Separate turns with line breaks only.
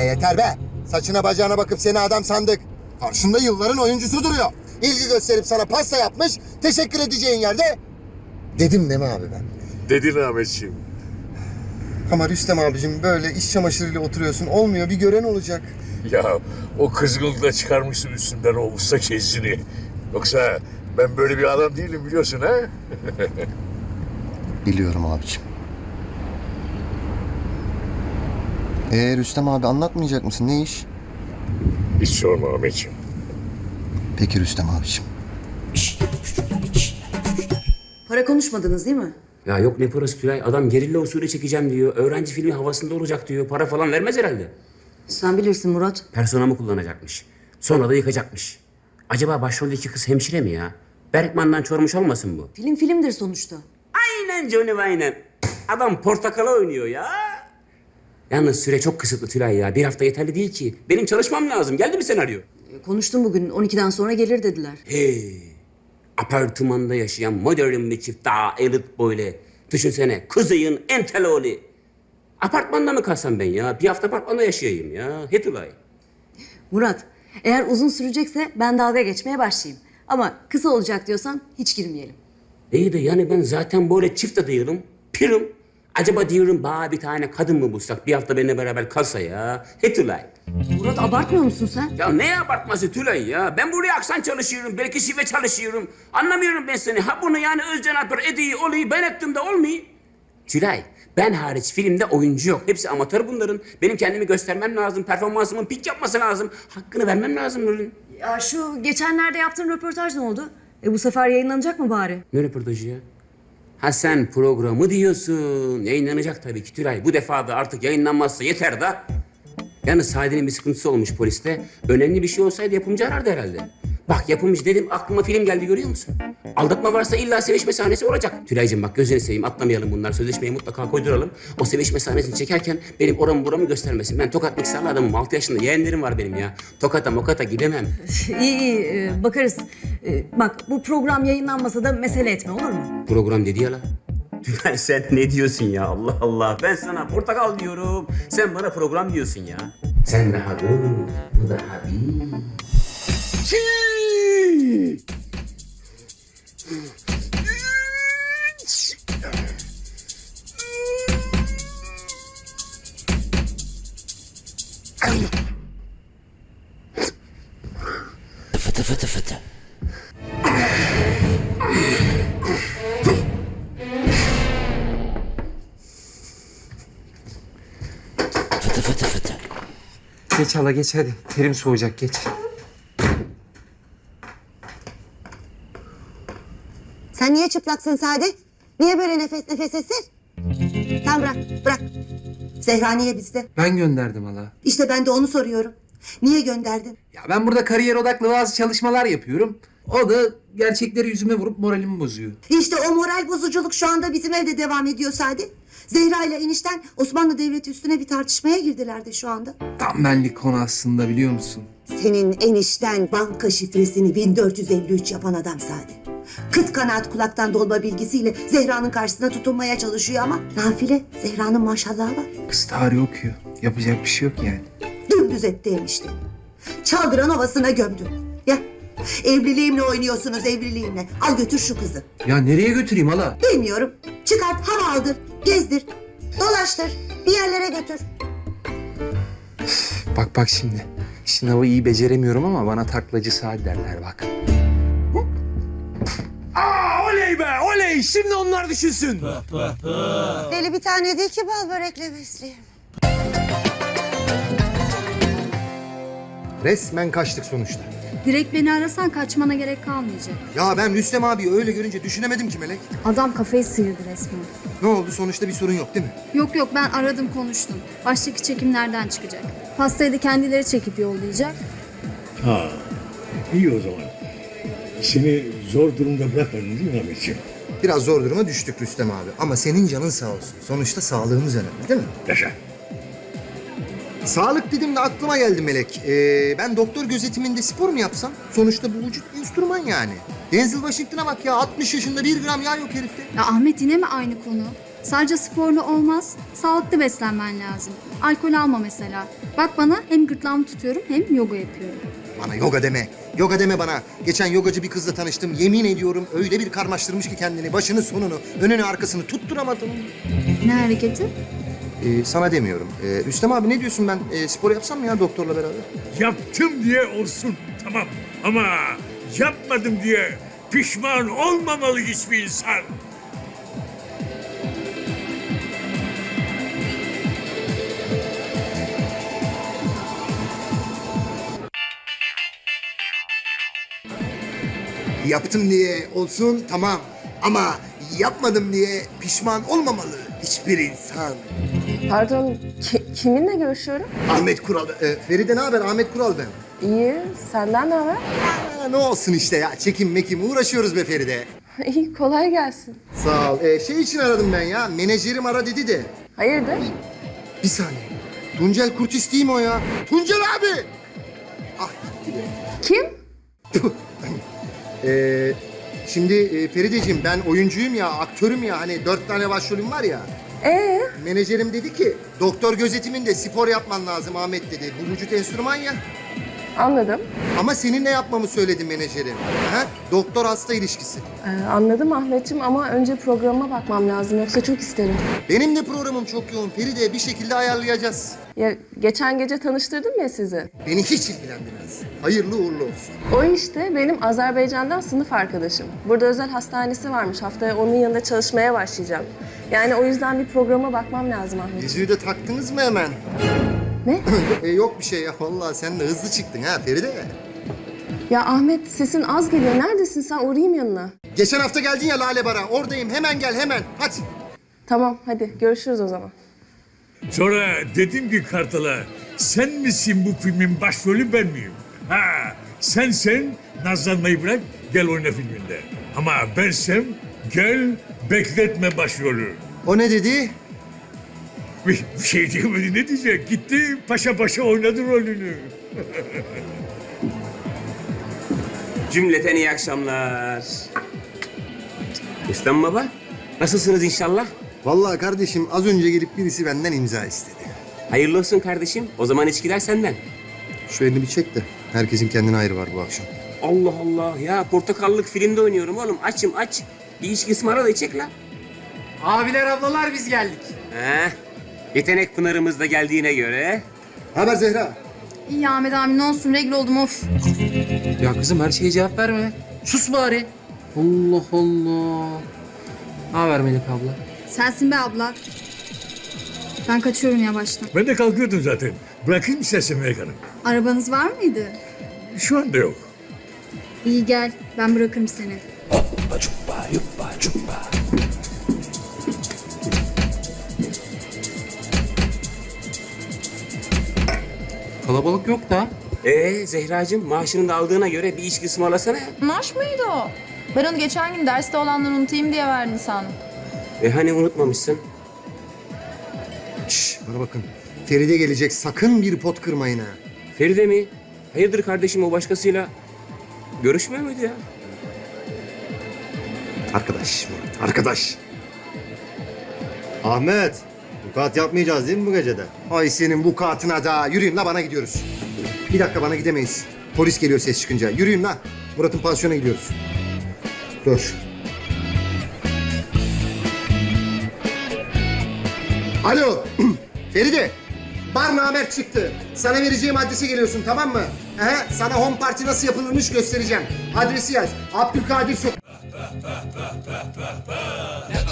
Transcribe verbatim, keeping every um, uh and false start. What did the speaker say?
yeter be. Saçına bacağına bakıp seni adam sandık. Karşında yılların oyuncusu duruyor. İlgi gösterip sana pasta yapmış, teşekkür edeceğin yerde... Dedim değil mi abi ben?
Dedin Ahmetciğim.
Ama Rüstem abicim böyle iş çamaşırıyla oturuyorsun. Olmuyor, bir gören olacak.
Ya o kızgınlığı da çıkarmışsın üstünden o usta kezdini. Yoksa ben böyle bir adam değilim biliyorsun ha?
Biliyorum abicim. Ee Rüstem abi anlatmayacak mısın? Ne iş?
Hiç sorma Ahmetciğim.
Peki Rüstem abicim.
Para konuşmadınız değil mi?
Ya yok ne parası Tülay. Adam gerilla usulü çekeceğim diyor. Öğrenci filmi havasında olacak diyor. Para falan vermez herhalde.
Sen bilirsin Murat.
Personamı kullanacakmış. Sonra da yıkacakmış. Acaba başroldeki kız hemşire mi ya? Berkman'dan çormuş olmasın bu?
Film filmdir sonuçta.
Aynen Johnny aynen. Adam portakala oynuyor ya. Yalnız süre çok kısıtlı Tülay ya. Bir hafta yeterli değil ki. Benim çalışmam lazım. Geldi mi senaryo?
E, Konuştum bugün. on ikiden sonra gelir dediler.
Hey. Apartmanda yaşayan modern bir çift daha elit böyle. Düşünsene kızıyın enteloli. Apartmanda mı kalsam ben ya? Bir hafta apartmanda yaşayayım ya. He Tülay.
Murat, eğer uzun sürecekse ben dalga geçmeye başlayayım. Ama kısa olacak diyorsan hiç girmeyelim.
İyi de yani ben zaten böyle çift de değilim. Pirim. Acaba diyorum bana bir tane kadın mı bulsak bir hafta benimle beraber kalsa ya. He Tülay.
Murat abartmıyor musun sen?
Ya ne abartması Tülay ya? Ben buraya aksan çalışıyorum, belki şive çalışıyorum. Anlamıyorum ben seni. Ha bunu yani Özcan Alper ediyi olayı ben ettim de olmuyor. Tülay, ben hariç filmde oyuncu yok. Hepsi amatör bunların. Benim kendimi göstermem lazım, performansımın pik yapması lazım. Hakkını vermem lazım bunun.
Ya şu geçenlerde yaptığın röportaj ne oldu? E bu sefer yayınlanacak mı bari?
Ne röportajı ya? Ha sen programı diyorsun. Yayınlanacak tabii ki Tülay. Bu defa da artık yayınlanmazsa yeter da. Yalnız Sadi'nin bir sıkıntısı olmuş poliste. Önemli bir şey olsaydı yapımcı arardı herhalde. Bak yapımcı dedim aklıma film geldi görüyor musun? Aldatma varsa illa sevişme sahnesi olacak. Tülay'cığım bak gözünü seveyim atlamayalım bunlar. Sözleşmeyi mutlaka koyduralım. O sevişme sahnesini çekerken benim oramı buramı göstermesin. Ben tokat mikserli adamım. altı yaşında yeğenlerim var benim ya. Tokata mokata gidemem.
iyi iyi e, bakarız. E, bak bu program yayınlanmasa da mesele etme olur mu?
Program dedi ya la. Tülay sen ne diyorsun ya Allah Allah. Ben sana portakal diyorum. Sen bana program diyorsun ya. Sen daha dur. Bu daha bir. Fıtı fıtı fıtı. Fıtı fıtı fıtı.
Geç hala geç hadi. Terim soğuyacak geç.
Sen niye çıplaksın Sadi? Niye böyle nefes nefes esir? Tamam bırak, bırak. Zehra niye bizde?
Ben gönderdim hala.
İşte ben de onu soruyorum. Niye gönderdin?
Ya ben burada kariyer odaklı bazı çalışmalar yapıyorum. O da gerçekleri yüzüme vurup moralimi bozuyor.
İşte o moral bozuculuk şu anda bizim evde devam ediyor Sadi. Zehra ile enişten Osmanlı Devleti üstüne bir tartışmaya girdiler de şu anda.
Tam benlik konu aslında biliyor musun?
Senin enişten banka şifresini bin dört yüz elli üç yapan adam Sadi. Kıt kanaat kulaktan dolma bilgisiyle Zehra'nın karşısına tutunmaya çalışıyor ama nafile Zehra'nın maşallahı var.
Kız tarih okuyor. Yapacak bir şey yok yani.
Dümdüz etti enişte. Çaldıran ovasına gömdü. Ya evliliğimle oynuyorsunuz evliliğimle. Al götür şu kızı.
Ya nereye götüreyim hala?
Bilmiyorum. Çıkart hava aldır. Gezdir. Dolaştır. Bir yerlere götür.
Bak bak şimdi. Sınavı iyi beceremiyorum ama bana taklacı Sadi derler bak. Aa oley be oley. Şimdi onlar düşünsün.
Deli bir tane değil ki bal börekle besleyeyim.
Resmen kaçtık sonuçta.
Direkt beni arasan kaçmana gerek kalmayacak.
Ya ben Rüstem abi öyle görünce düşünemedim ki Melek.
Adam kafayı sıyırdı resmen.
Ne oldu sonuçta bir sorun yok değil mi?
Yok yok ben aradım konuştum. Baştaki çekimlerden çıkacak. Pastayı da kendileri çekip yollayacak.
Ha, iyi o zaman. Seni zor durumda bırakmadın değil mi Ahmetciğim?
Biraz zor duruma düştük Rüstem abi. Ama senin canın sağ olsun. Sonuçta sağlığımız önemli değil mi?
Yaşa.
Sağlık dedim de aklıma geldi Melek. Ee, ben doktor gözetiminde spor mu yapsam? Sonuçta bu vücut enstrüman yani. Denzel Washington'a bak ya altmış yaşında bir gram yağ yok herifte.
Ya Ahmet yine mi aynı konu? Sadece sporla olmaz, sağlıklı beslenmen lazım. Alkol alma mesela. Bak bana hem gırtlağımı tutuyorum hem yoga yapıyorum.
Bana yoga deme. Yoga deme bana. Geçen yogacı bir kızla tanıştım. Yemin ediyorum öyle bir karmaştırmış ki kendini. Başını sonunu, önünü arkasını tutturamadım.
Ne hareketi?
Ee, sana demiyorum. Ee, Rüstem abi ne diyorsun ben? Ee, spor yapsam mı ya doktorla beraber?
Yaptım diye olsun tamam ama yapmadım diye pişman olmamalı hiçbir insan.
Yaptım diye olsun tamam. Ama yapmadım diye pişman olmamalı hiçbir insan.
Pardon, ki- kiminle görüşüyorum?
Ahmet Kural. Ee, Feride ne haber? Ahmet Kural ben.
İyi, senden ne haber?
Aa, ne olsun işte ya. Çekim mekim uğraşıyoruz be Feride.
İyi, kolay gelsin.
Sağ ol. Ee, şey için aradım ben ya. Menajerim ara dedi de.
Hayırdır?
Bir saniye. Tuncel Kurtis değil mi o ya? Tuncel abi! Ah gitti be.
Kim?
Tüh. Ee, şimdi e, Ferideciğim ben oyuncuyum ya, aktörüm ya. Hani dört tane başrolüm var ya.
Ee,
Menajerim dedi ki doktor gözetiminde spor yapman lazım Ahmet dedi. Bu vücut enstrüman ya.
anladım.
Ama seninle yapmamı söyledi menajerim. Ha? Doktor hasta ilişkisi.
Ee, anladım Ahmetciğim ama önce programa bakmam lazım yoksa çok isterim.
Benim de programım çok yoğun Feride. Bir şekilde ayarlayacağız.
Ya geçen gece tanıştırdım ya sizi.
Beni hiç ilgilendirmez. Hayırlı uğurlu olsun.
O işte benim Azerbaycan'dan sınıf arkadaşım. Burada özel hastanesi varmış. Haftaya onun yanında çalışmaya başlayacağım. Yani o yüzden bir programa bakmam lazım Ahmet.
Yüzüğü de taktınız mı hemen?
Ne?
e, yok bir şey ya. Vallahi sen de hızlı çıktın ha Feride.
Ya Ahmet sesin az geliyor. Neredesin sen? Uğrayayım yanına.
Geçen hafta geldin ya Lale Bara. Oradayım. Hemen gel hemen. Hadi.
Tamam hadi görüşürüz o zaman.
Sonra dedim ki Kartal'a sen misin bu filmin başrolü ben miyim? Ha sen sen nazlanmayı bırak gel oyna filminde. Ama bensem gel bekletme başrolü.
O ne dedi?
Bir, bir şey diyemedi ne diyecek? Gitti paşa paşa oynadı rolünü.
Cümleten iyi akşamlar. Rüstem Baba, nasılsınız inşallah?
Vallahi kardeşim az önce gelip birisi benden imza istedi.
Hayırlı olsun kardeşim. O zaman içkiler senden.
Şu elini bir çek de. Herkesin kendine ayrı var bu akşam.
Allah Allah ya portakallık filmde oynuyorum oğlum. Açım aç. Bir içki ısmarla da içek la.
Abiler ablalar biz geldik.
Heh. Yetenek pınarımız da geldiğine göre.
Haber Zehra?
İyi Ahmet abi ne olsun regl oldum of.
Ya kızım her şeye cevap verme. Sus bari. Allah Allah. Ne haber Melek abla?
Sensin be abla. Ben kaçıyorum yavaştan.
Ben de kalkıyordum zaten. Bırakayım istersen Melek Hanım.
Arabanız var mıydı?
Şu anda yok.
İyi gel ben bırakırım seni.
Kalabalık yok da.
Ee Zehracığım maaşını da aldığına göre bir içki ısmarlasana ya.
Maaş mıydı o? Ben onu geçen gün derste olanları unutayım diye verdin sandım.
E hani unutmamışsın?
Şş, bana bakın. Feride gelecek. Sakın bir pot kırmayın ha.
Feride mi? Hayırdır kardeşim o başkasıyla görüşmüyor muydu ya?
Arkadaş, Murat, arkadaş. Ahmet, vukuat yapmayacağız değil mi bu gecede? Ay senin vukuatına da. Yürüyün la bana gidiyoruz. Bir dakika bana gidemeyiz. Polis geliyor ses çıkınca. Yürüyün la. Murat'ın pansiyona gidiyoruz. Dur. Alo, Feride. Bar namer çıktı. Sana vereceğim adrese geliyorsun tamam mı? He, sana home party nasıl yapılırmış göstereceğim. Adresi yaz. Abdülkadir Sokak.